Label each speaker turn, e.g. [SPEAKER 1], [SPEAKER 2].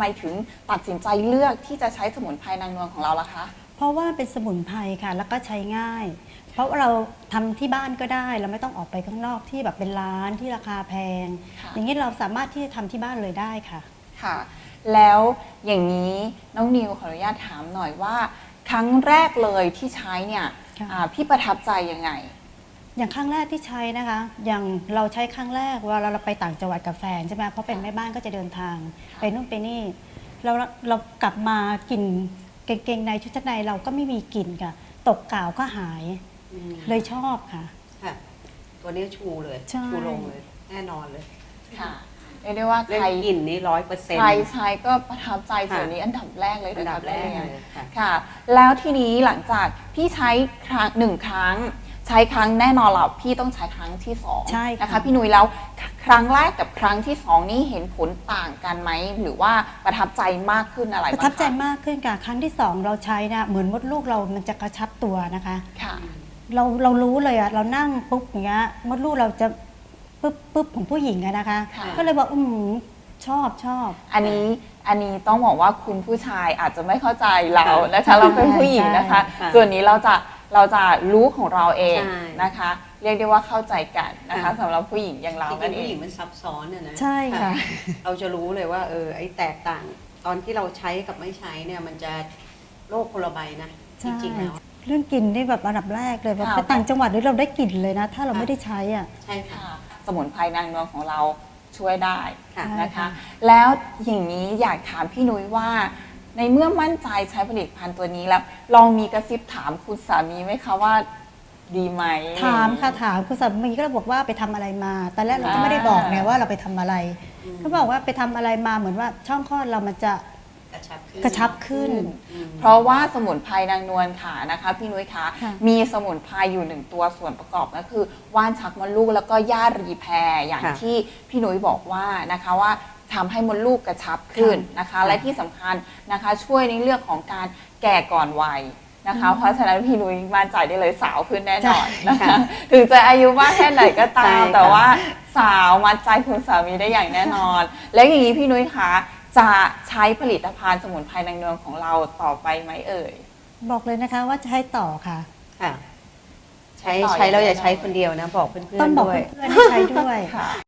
[SPEAKER 1] มถึงตัดสินใจเลือกที่จะใช้สมุนไพรนางนวลของเราล่ะคะ
[SPEAKER 2] เพราะว่าเป็นสมุนไพรค่ะแล้วก็ใช้ง่าย เพราะว่าเราทำที่บ้านก็ได้เราไม่ต้องออกไปข้างนอกที่แบบเป็นร้านที่ราคาแพง
[SPEAKER 1] ค่ะ
[SPEAKER 2] อย่างนี้เราสามารถที่จะทำที่บ้านเลยได้ค่ะ
[SPEAKER 1] ค่ะ แล้วอย่างนี้น้องนิวขออนุญาตถามหน่อยว่า ครั้งแรกเลยที่ใช้เนี่ย
[SPEAKER 2] ค่ะ
[SPEAKER 1] พี่ประทับใจยังไง
[SPEAKER 2] อย่างครั้งแรกที่ใช้นะคะ อย่างเราใช้ครั้งแรกเวลาเราไปต่างจังหวัดกับแฟนใช่ไหมเพราะเป็นแม่บ้านก็จะเดินทาง
[SPEAKER 1] ค่ะ
[SPEAKER 2] ไปนู่นไปนี่เรากลับมากลิ่นกางเกงในชุดชั้นในเราก็ไม่มีกลิ่นค่ะ ตกกาวก็หายเลยชอบค่ะ
[SPEAKER 3] ค่ะตัวนี้ชูเลย
[SPEAKER 2] ใช่
[SPEAKER 3] ชูลงเลยแน่นอนเลย
[SPEAKER 1] ค่ะเรียกได้ว่า
[SPEAKER 3] เรื่อง
[SPEAKER 1] ใคร
[SPEAKER 3] กลิ่นนี่100%
[SPEAKER 1] ใครใช้ก็ประทับใจ
[SPEAKER 3] ค่ะ
[SPEAKER 1] ส่วนนี้อันดับแรกเลย
[SPEAKER 3] อัน
[SPEAKER 1] นะ
[SPEAKER 3] ดั
[SPEAKER 1] คะ
[SPEAKER 3] บแรก
[SPEAKER 1] พี่
[SPEAKER 3] เลยค่ะ
[SPEAKER 1] ค่ะ แล้วทีนี้หลังจากพี่ใช้หนึ่งครั้ง ใช้ครั้งแน่นอนแหละพี่ต้องใช้ครั้งที่สอง
[SPEAKER 2] ใช่ค่ะ
[SPEAKER 1] นะคะพี่นุ้ยแล้วครั้งแรกกับครั้งที่สองนี่เห็นผลต่างกันไหมหรือว่าประทับใจมากขึ้นอะไร
[SPEAKER 2] ประ
[SPEAKER 1] บ้าง
[SPEAKER 2] ทับใจ
[SPEAKER 1] คะ
[SPEAKER 2] มากขึ้นค่ะครั้งที่สองเราใช้นะเหมือนมดลูกเรามันจะกระชับตัวนะคะ
[SPEAKER 1] ค่ะ
[SPEAKER 2] เรารู้เลยอะเรานั่งปุ๊บอย่างเงี้ยมดลูกเราจะปุ๊บของผู้หญิงอะนะคะ
[SPEAKER 1] ค่ะ
[SPEAKER 2] ก็เลยบอกชอบ
[SPEAKER 1] อันนี้ต้องบอกว่าคุณผู้ชายอาจจะไม่เข้าใจเรานะคะเราเป็นผู้หญิงนะคะ
[SPEAKER 3] ค่ะ
[SPEAKER 1] ส่วนนี้เราจะรู้ของเราเอง
[SPEAKER 3] ใช่
[SPEAKER 1] นะคะ เรียกได้ว่าเข้าใจกันนะคะ
[SPEAKER 3] ค่ะ
[SPEAKER 1] สำหรับผู้หญิงอย่างเรา
[SPEAKER 3] จริง
[SPEAKER 1] นั่น
[SPEAKER 3] ๆ
[SPEAKER 1] เอ
[SPEAKER 3] ผู้หญิ
[SPEAKER 1] ง
[SPEAKER 3] งมันซับซ้อนอะนะ
[SPEAKER 2] ใช่ค่ะ
[SPEAKER 3] เราจะรู้เลยว่าไอ้แตกต่าง ตอนที่เราใช้กับไม่ใช้เนี่ยมันจะโลกคนละใบนะจ
[SPEAKER 2] ใช่
[SPEAKER 3] ริงๆแล้ว
[SPEAKER 2] เรื่องกลิ่นนี่แบบอันดับแรกเลยแบบ
[SPEAKER 1] ค่ะ
[SPEAKER 2] ไปต่างจังหวัดนี่เราได้กลิ่นเลยนะ ถ้าเรา
[SPEAKER 3] ค่ะ
[SPEAKER 2] ไม่ได้ใช้อ่ะ
[SPEAKER 3] ใช่ค่ะ
[SPEAKER 1] ค่ะสมุนไพรนางนวลของเราช่วยได้
[SPEAKER 3] ค่ะ
[SPEAKER 1] นะคะ
[SPEAKER 2] ค่ะ
[SPEAKER 1] แล้วอย่างนี้อยากถามพี่นุ้ยว่า ในเมื่อมั่นใจใช้ผลิตภัณฑ์ตัวนี้แล้วลองมีกระซิบถามคุณสามีไหมคะว่าดีไหม
[SPEAKER 2] ถามค่ะถามคุณสามีก็เลยบอกว่าไปทำอะไรมาตอนแรกเราก็ไม่ได้บอกไงว่าเราไปทำอะไรเขาบอกว่าไปทำอะไรมาเหมือนว่าช่องคลอดเรามันจะ
[SPEAKER 3] กระชับขึ้น
[SPEAKER 2] กระชับขึ้น
[SPEAKER 3] อืม
[SPEAKER 1] เพราะว่าสมุนไพรนางนวลค่ะนะคะพี่นุ้ยคะ
[SPEAKER 2] ค่ะ
[SPEAKER 1] มีสมุนไพรอยู่หนึ่งตัวส่วนประกอบก็คือว่านชักมดลูกแล้วก็ย่ารีแพรอย่าง
[SPEAKER 3] ค่ะ
[SPEAKER 1] ที่พี่นุ้ยบอกว่านะคะว่าทำให้มดลูกกระชับขึ้นนะคะ
[SPEAKER 3] ค่ะ
[SPEAKER 1] และที่สำคัญนะคะช่วยในเรื่องของการแก่ก่อนวัยนะคะ เพราะฉะนั้นพี่นุ้ยมั่นใจได้เลยสาวขึ้นแน่นอนนะคะ ถึงจะอายุมากแค่ไหนก็ตาม
[SPEAKER 3] ใช่ค่ะ
[SPEAKER 1] แต่ว่าสาวมัดใจคุณสามีได้อย่างแน่นอน แล้วอย่างนี้พี่นุ้ยคะจะใช้ผลิตภัณฑ์สมุนไพรนางนวลของเราต่อไปไหมเอ่ย
[SPEAKER 2] บอกเลยนะคะว่าจะให้ต่อค่ะ
[SPEAKER 3] ค่ะ ใช้
[SPEAKER 1] ต่อ
[SPEAKER 3] ใช้เรา
[SPEAKER 1] อย่าง
[SPEAKER 3] อย่าใช้
[SPEAKER 1] แน่นอน
[SPEAKER 3] คนเดียวนะ บอกเพื่อน
[SPEAKER 2] ต้อง
[SPEAKER 3] ๆ
[SPEAKER 2] บอก
[SPEAKER 3] ด้วย
[SPEAKER 2] เพื่อนๆให้ใช้ด้วย
[SPEAKER 1] ค่ะ